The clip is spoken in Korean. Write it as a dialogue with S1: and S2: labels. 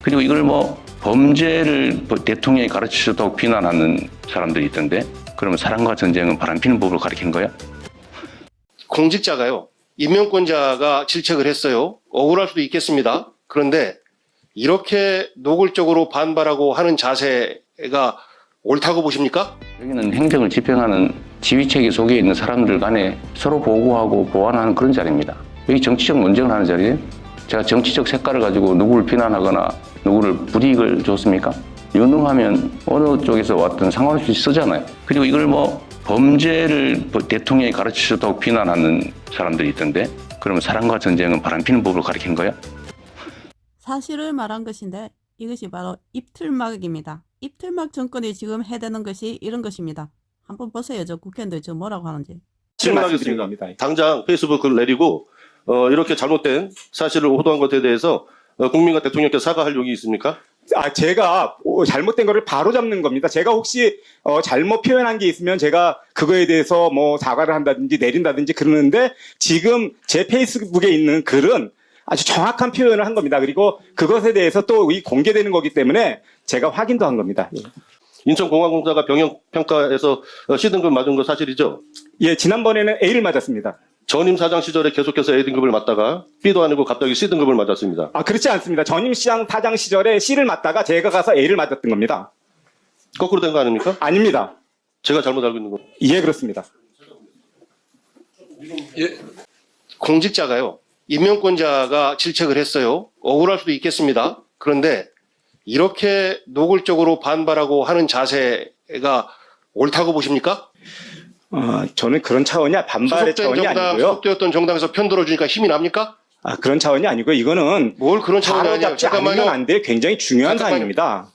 S1: 그리고 이걸 뭐 범죄를 대통령이 가르치셨다고 비난하는 사람들이 있던데, 그러면 사랑과 전쟁은 바람피는 법을 가르친 거야?
S2: 공직자가요, 임명권자가 질책을 했어요. 억울할 수도 있겠습니다. 그런데 이렇게 노골적으로 반발하고 하는 자세가 옳다고 보십니까?
S1: 여기는 행정을 집행하는 지휘체계 속에 있는 사람들 간에 서로 보고하고 보완하는 그런 자리입니다. 여기 정치적 논쟁을 하는 자리예요. 제가 정치적 색깔을 가지고 누구를 비난하거나 누구를 불이익을 줬습니까? 유능하면 어느 쪽에서 왔든 상관없이 쓰잖아요. 그리고 이걸 뭐 범죄를 대통령이 가르치셨다고 비난하는 사람들이 있던데, 그러면 사랑과 전쟁은 바람피는 법을 가르친 거야?
S3: 사실을 말한 것인데 이것이 바로 입틀막입니다. 입틀막 정권이 지금 해대는 것이 이런 것입니다. 한번 보세요. 저 국회의원들 지금 뭐라고 하는지.
S4: 질문하겠습니다. 당장 페이스북 글 내리고 이렇게 잘못된 사실을 호도한 것에 대해서 국민과 대통령께 사과할 용이 있습니까?
S5: 제가 잘못된 거를 바로 잡는 겁니다. 제가 혹시 잘못 표현한 게 있으면 제가 그거에 대해서 뭐 사과를 한다든지 내린다든지 그러는데, 지금 제 페이스북에 있는 글은 아주 정확한 표현을 한 겁니다. 그리고 그것에 대해서 또 공개되는 거기 때문에 제가 확인도 한 겁니다.
S4: 인천공항공사가 병역평가에서 C등급 맞은 거 사실이죠?
S5: 예, 지난번에는 A를 맞았습니다.
S4: 전임 사장 시절에 계속해서 A등급을 맞다가 B도 아니고 갑자기 C등급을 맞았습니다.
S5: 그렇지 않습니다. 전임 사장 시절에 C를 맞다가 제가 가서 A를 맞았던 겁니다.
S4: 거꾸로 된 거 아닙니까?
S5: 아닙니다.
S4: 제가 잘못 알고 있는 거.
S5: 예, 그렇습니다.
S2: 공직자가요, 임명권자가 질책을 했어요. 억울할 수도 있겠습니다. 그런데 이렇게 노골적으로 반발하고 하는 자세가 옳다고 보십니까?
S5: 저는 그런 차원이 반발의 차원이 아니고요.
S2: 소속되었던 정당에서 편들어주니까 힘이 납니까?
S5: 그런 차원이 아니고요. 이거는
S2: 뭘 그런 차원이
S5: 바로
S2: 아니에요.
S5: 잡지 않으면 안 돼. 굉장히 중요한
S2: 잠깐만요.
S5: 사안입니다.